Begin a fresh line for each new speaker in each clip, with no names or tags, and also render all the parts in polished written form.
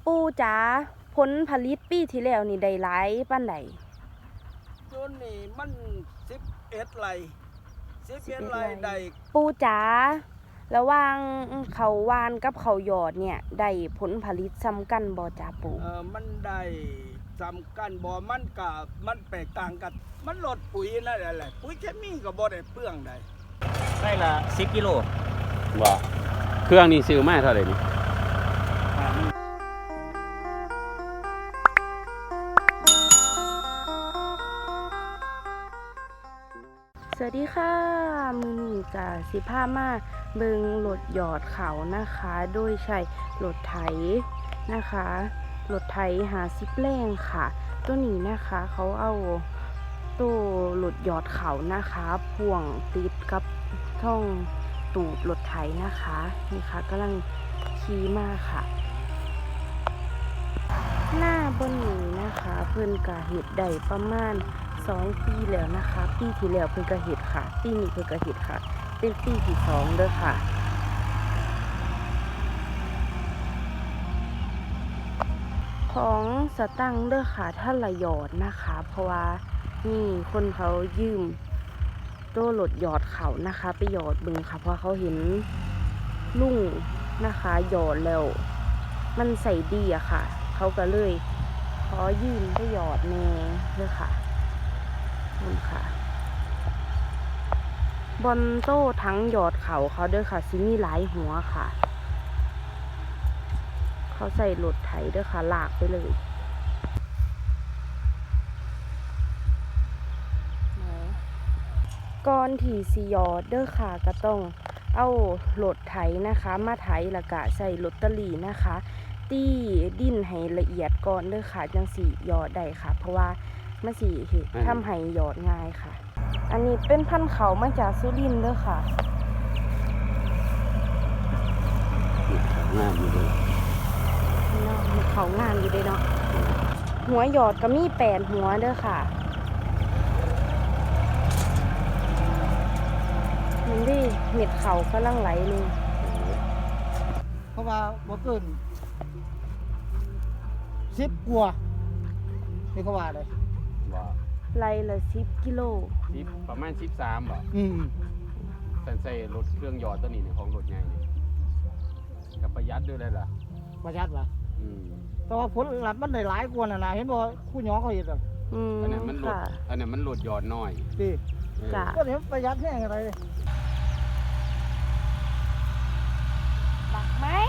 ปู่จ๋าผลผลิตปีที่แล้วนี่ได้หลายปานใด
จุนนี่มัน11 ไร่11 ไร่ได้
ปู่จ๋าระหว่างเขาวานกับเขาหยอดเนี่ยได้ผลผลิตซ้ำกันบ่จ๋าปู่
มันได้สำคัญบ่มันแตกต่างกันมันลดปุ๋ยนั่นแหละปุ๋ยเคมีก็บ่ได้เปลืองได้
ได้ละ10 กิโล
บ่เครื่องนี่ซื้อมาเท่าไหร่นี่
สวัสดีค่ะมื้อนี้ก็สิพามาเบิ่งรถหยอดเขานะคะโดยใช้รถไถนะคะรถไถ50แรงค่ะตัวนี้นะคะเขาเอาตู้รถหยอดเขานะคะพ่วงติดกับท่องตูดรถไถนะคะนี่ค่ะกำลังขี่มาค่ะหน้าบนนี้นะคะเพิ่นกะเฮ็ดได้ประมาณ2 ปีแล้วนะคะปีที่แล้วเพิ่นกะเฮ็ดค่ะปีนี้เพิ่นกะเฮ็ดค่ะเป็นปีที่2เด้อค่ะของสตังค์เด้อค่ะท่านละหยอดนะคะเพราะว่านี่คนเขายืมตัวรถหยอดเขานะคะไปหยอดบึงค่ะเพราะเขาเห็นลุงนะคะหยอดแล้วมันใส่ดีอะค่ะเขาก็เลยขอยืมไปหยอดแน่เด้อค่ะนี่ค่ะบอนโต้ทั้งหยอดเขาเด้อค่ะซิมีหลายหัวค่ะเขาใส่รถไถเด้อค่ะลากไปเลยก่อนที่สิหยอดเด้อค่ะก็ต้องเอารถไถนะคะมาไถแล้วก็ใส่ลอตเตอรี่นะคะตีดินให้ละเอียดก่อนเด้อค่ะจังสิหยอดได้ค่ะเพราะว่ามันสิทำให้หยอดง่ายค่ะอันนี้เป็นพันธุ์เขามาจากสุรินทร์เด้อค่ะ
งามอยู่เลย
เขางามอยู่เลยเนาะหัวหยอดก็มี8 หัวเด้อค่ะมันดิเม็ดเขากำลังไหลเลย
เพราะว่าบ่เกิน10 กว่านี่เขาว่าเลย
บ่
ไล่ละ10 กิโล
ประมาณ13บ่ใส่รถเครื่องหยอดตัวนี้เนี่ยของรถใหญ่นี่ก็ประหยัดด้วยเลยล่ะ
ประหยัดล่ะแต่ว่าผลลัพธ์มันได้หลายกว่าน่ะนะเห็นบ่คู่น้องเขาเฮ็ดอ่ะ
อันนั้นมันลดหยอดน้อย
ติจ้ะก็เห็นประหยัดแห้งอะไร
บักไหม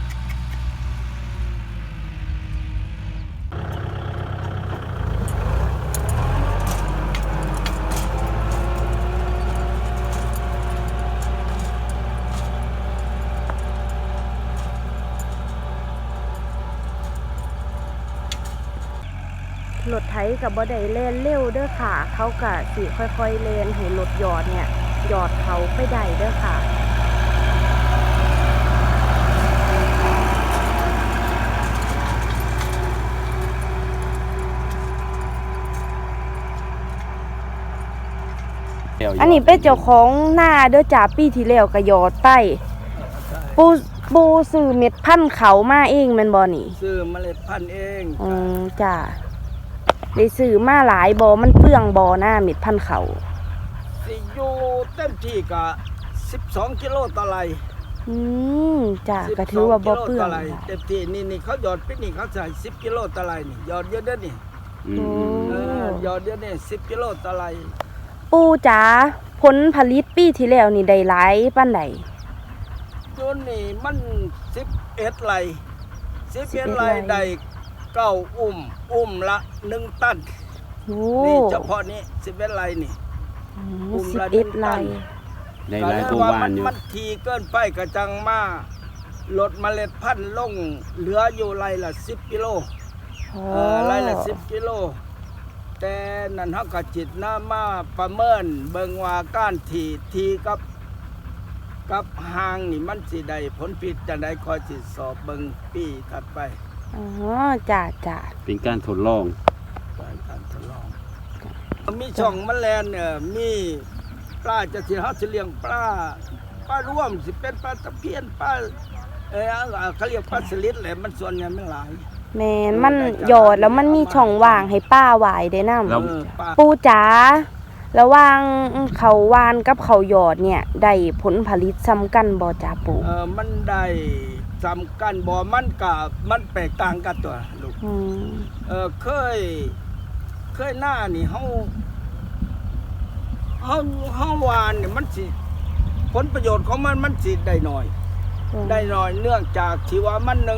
รถไถกับบ่ได้แล่นเร็วเด้อค่ะเขาก็สิค่อยๆแล่นให้รถหยอดเนี่ยหยอดเขาไปได้เด้อค่ะอันนี้เป็นเจ้าของหน้าเด้อจ่าปีที่แล้วก็หยอดไปปูซื้อเม็ดพันธุ์เขามาเองแม่นบ่นี่
ซื้อเมล็ดพันธุ์เอง
จ้าได้ซื้อมาหลายบ่มันเปลืองบ่หน้าเม็ดพันธุ์เขา
สิอยู่เต็มที่ก็12 กิโลต่อไร่
จ้าก็ถือว่าบ่เปลือง
เต็มที่นี่เขาหยอดปีนี้เขาใส่10 กิโลต่อไร่นี่หยอดเยอะเด้อนี่หยอดเยอะนี่10 กิโลต่อไร่
ปู่จ๋าผลผลิตปีที่แล้วนี่ได้หลายปานใด
จุนนี่มัน11 ไร่11 ไร่ได้9 อุ้มละ1 ตันนี่เฉพาะนี้11 ไร่นี่
อุ้มละ1 ตัน
ได้หลายกว่าบ้านอยู่
มันทีเกินไปก็จังมาลดเมล็ดพันธุ์ลงเหลืออยู่ไร่ละ10 กิโลไร่ละ10 กิโลแต่นั่นเฮาก็จิตน้ามาประเมินเบิ่งว่าการทีกับหางนี่มันสิได้ผลผิดจังได๋คอยสิสอบเบิ่งปีถัดไป
จ้า
เป็นการทดลอง
มีช่องแมลงเนี่ยมีปลาจะสิเฮาสิเลี้ยงปลาร่วมสิเป็นปลาตะเพียนปลาเขาเรียกปลาสลิดแหละมันส่วนใหญ่มันหลาย
แม่นมันหยอดแล้วมันมีช่องว่างให้ป้าหวายได้นำ
เออปลา
ปูจ๋าระหว่างเขาวานกับเขาหยอดเนี่ยได้ผลผลิตซ้ำกันบ่จ้าปู
มันได้สำคัญบ่มันแตกต่างกันตัวลูก
อืม
เคยหน้านี่เฮาหวานเนี่ยมันสิผลประโยชน์ของมันสิได้น้อย ได้น้อยเนื่องจากที่ว่ามันหนึ่ง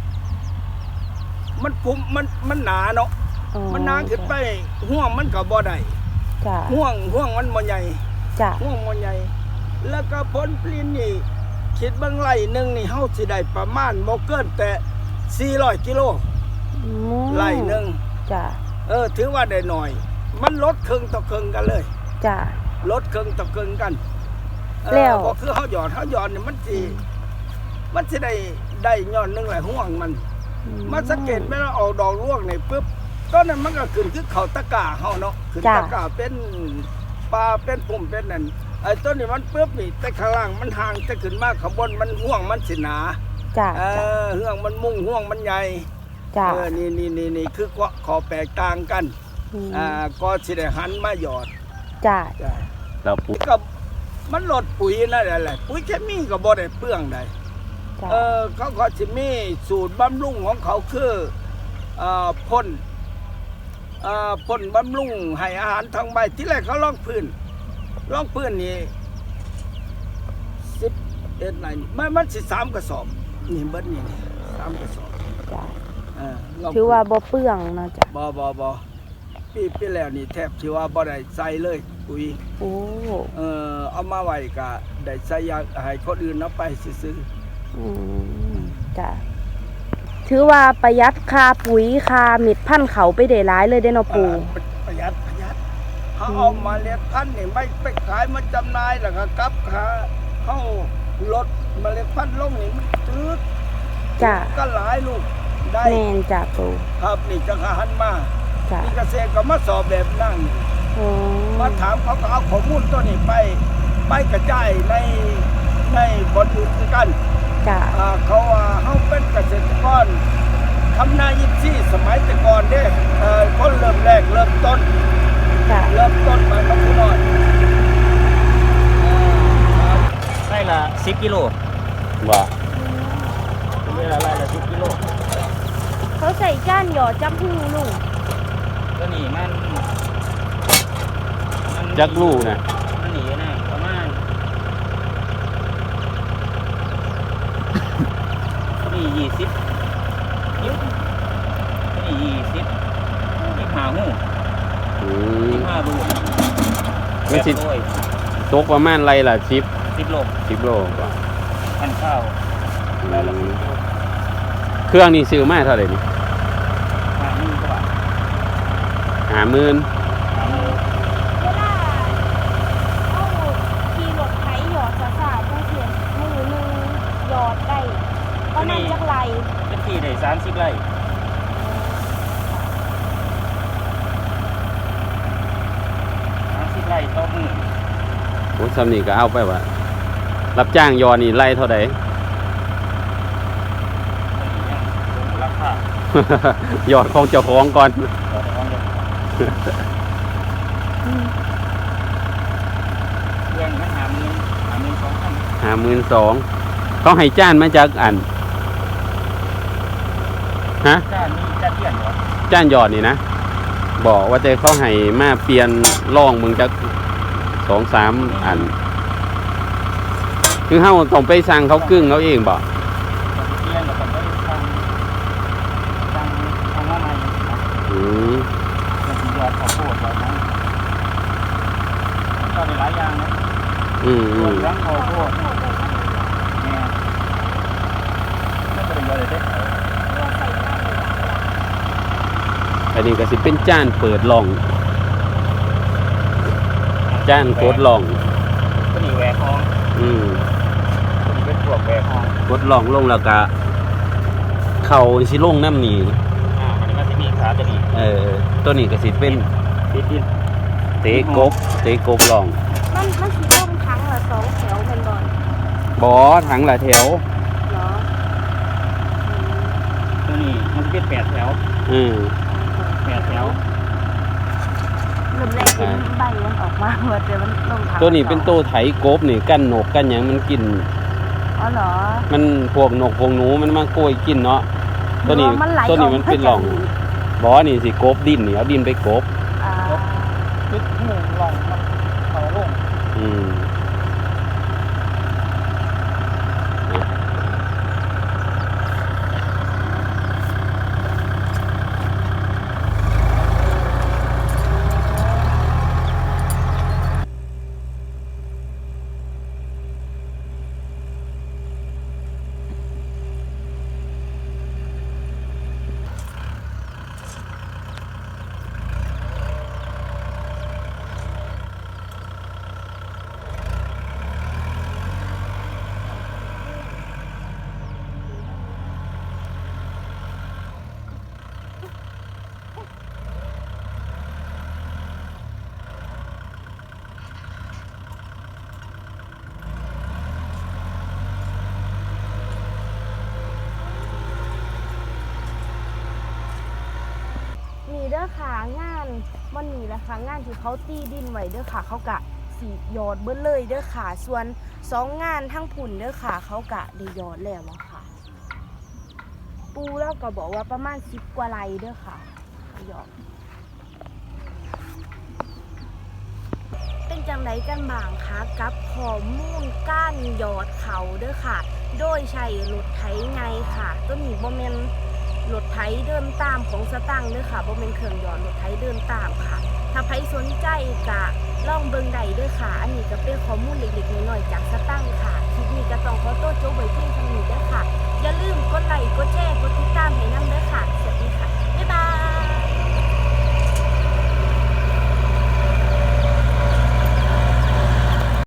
มันพุ่มมันหนาเนาะ
อ๋อ
มันหนาขึ้นไปห่วงมันก็บ่ได้
จ้า
ห่วงมันบ่ใหญ่
จ้า
ห่วงบ่ใหญ่แล้วก็ผลผลิตนี่คิดเบิ่งไร่หนึงนี่เฮาสิได้ประมาณบ่เกินแต่400กิโล
อืม
ไร่หนึง
จ้า
ถือว่าได้น้อย มันลดครึ่งต่อครึ่งกันเลย
จ้า
ลดครึ่งต่อครึ่งกัน
แล้ว
ก็คือเฮาหยอดเนี่ยมันสิได้ย้อนหนึงแหละห่วงมัน มันสังเกตไหมว่าออกดอกร่วงนี่ปุ๊บต้นนั้นมันก็ขึ้นคือเขาตะกร้าเฮาเนาะขึ้น
จ้ะ
ตะกร้าเป็นปลาเป็นปุ่มเป็นนั่นไอ้ต้นนี้มันปุ๊บนี่แต่ข้างล่างมันห่างแต่ขึ้นมาข้างบนมันห่วงมันสิหนา
จ้า
ห่วงมันมุ่งห่วงมันใหญ่
จ้า
นี่คือขอแตกต่างกัน ก็สิได้หันมาหยอด
จ้า
จ้ะ
แล้วปู
ก็มันลดปุ๋ยนั่นแหละปุ๋ยเคมีก็บ่ได้เปลืองใด
จ้า
เขาก็จะมีสูตรบำรุงของเขาคือพ่นบำรุงให้อาหารทางใบที่แรกเขาลอกพื้นนี่11ไหนมันสิ3กระสอบนี่เบิดนี่3กระสอบ
จ้า
ลง
ถือว่าบ่เปลืองเนาะจ้า
บ่ปีแล้วนี่แทบที่ว่าบ่ได้ใส่เลยปุ๋ย
โอ้
เอามาไว้ก็ได้ใส่ยาให้คนอื่นเอาไปซื้อ
อืมจ้าถือว่าประหยัดค่าปุ๋ยค่าเม็ดพันธุ์เขาไปได้หลายเลยเด้เนาะปู
ประหยัดเขาเอามาเมล็ดพันธุ์นี่ไม่ไปขายมาจำหน่ายแล้วก็กลับเขาลดเมล็ดพันธุ์ลงนี่มันจืด
จ้า
ก็หลายลูกได้
แม่นจ้าปู
ครับนี่จะหันมา
จ้า
นี่เกษตรก็มาสอบแบบนั่ง
อ๋อ
มาถามเขาก็เอาข้อมูลตัวนี้ไปกระจายในบทอื่นคือกัน
จ้า
เขาว่าเขาเป็นเกษตรกรทำนายิบซี่สมัยแต่ก่อนเด้คนเริ่มแรกเริ่มต้น
จ้า
มากับผู้น้อย
ไร่ละ10กิโล
ว่า
ไร่ละ10กิโล
เขาใส่ก้านหยอดจับหูลุง
ตัวนี้มัน
จักลูกนะ
มันหนีนะประมาณนี่20นี่25หู25ลูก
มันสิ
โล
ตกประมาณไรล่ะ
10โล
10โลกว่า
พันข้าวไร่ละ10กิโล
เครื่องนี่ซื้อมาเท่าไหร่นี่
50,000 กว่าบาท
50,000
เวลาเอาขี่รถไถหยอดสาๆจังเสียมือหนึงหยอดได้ประมาณจักไร
เป็นที่ได้30ไร่30ไร่ต่อมือ
โอ้ซ้ำนี่ก็เอาไปว่ารับจ้างยอนี่ไล่เท่าใด
ราคาย
อดของเจ้าของก่อน
เรื่องมัน52,000
52,000เขาให้จ้านมาจากอันฮะ
จ้านี่จ้าเทียนเหรอ
จ้านยอดนี่นะบอกว่าแต่เขาให้มาเปลี่ยนร่องมึงจาก2-3 อัน คือเฮาต้องไปสั่งเขากึ่งเขาเองบ่
เทียนแล้วก็ไปทางว่าใหม่
อืม
มันสิยอดข้าวโพดยอดนั้นยอดได้หลายอย่างนะ
อืม
ยอดเหลืองข้าวโพดแม่แล้วก็ได้ยอดได้
อันนี้ก็สิเป็นจ้านเปิดร่องจ้านโคดร่อง
ก็นี่แหวกห้อง
อืม
ก็นี่เป็นพวกแหวกห้อง
โคดร่องลงแล้วก็เข่าสิลงน้ำนี่
อันนี้มันสิมีขาตัวนี้
ตัวนี้ก็สิเป็น
ติดดิน
เตะกบร่อง
มันสิลงทั้งละ2 แถวเป็นบ่อน
บ่อถังละแถว
เหรอ
ตัวนี้มันเป็น8แถว 8แถว
เริ่มแรกเป็นใบมันออกมาเมื่อแต่มันลงทาง
ตัวนี้เป็นตัวไถกบนี่กันนกกันหยังมันกิน
อ๋อเหรอ
มันพวกนกพวกหนูมันมาโกยกินเนาะตัวนี้
หรือว่ามันไหล
ตัวนี้มันเป็นหล่อง
ออกมาจาก
บ่นี่สิกบดินนี่เอาดินไปกบ
อ่า
ติดหมู่หลองมันเขาลง
อืม
นี่เด้อค่ะงานวันนี้แหละค่ะงานที่เขาตีดินไว้เด้อค่ะเขากะสียอดเบิ้เลยเด้อค่ะส่วน2 งานทั้งผุ่นเด้อค่ะเขากะได้ยอดแล้วอะค่ะ ปูแล้วก็บอกว่าประมาณ10 กว่าไร่เด้อค่ะยอดเป็นจังไดกันบ้างคะกับข้อมูลก้านยอดเขาเด้อค่ะ โดยใช้รถไถไงค่ะตัวนี้บ่แม่นรถไถเดินตามของสตังค์เด้อค่ะบ่แม่นเครื่องยอดรถไถเดินตามค่ะ ถ้าใครสนใจก็ลองเบิ่งได้เด้อค่ะ อันนี้ก็เป็นข้อมูลเล็กๆน้อยๆจากสตังค์ค่ะคลิปนี้ก็ต้องขอตัวจบไว้เพียงเท่านี้เด้อค่ะ อย่าลืมกดไลค์กดแชร์กดติดตามให้นำเด้อ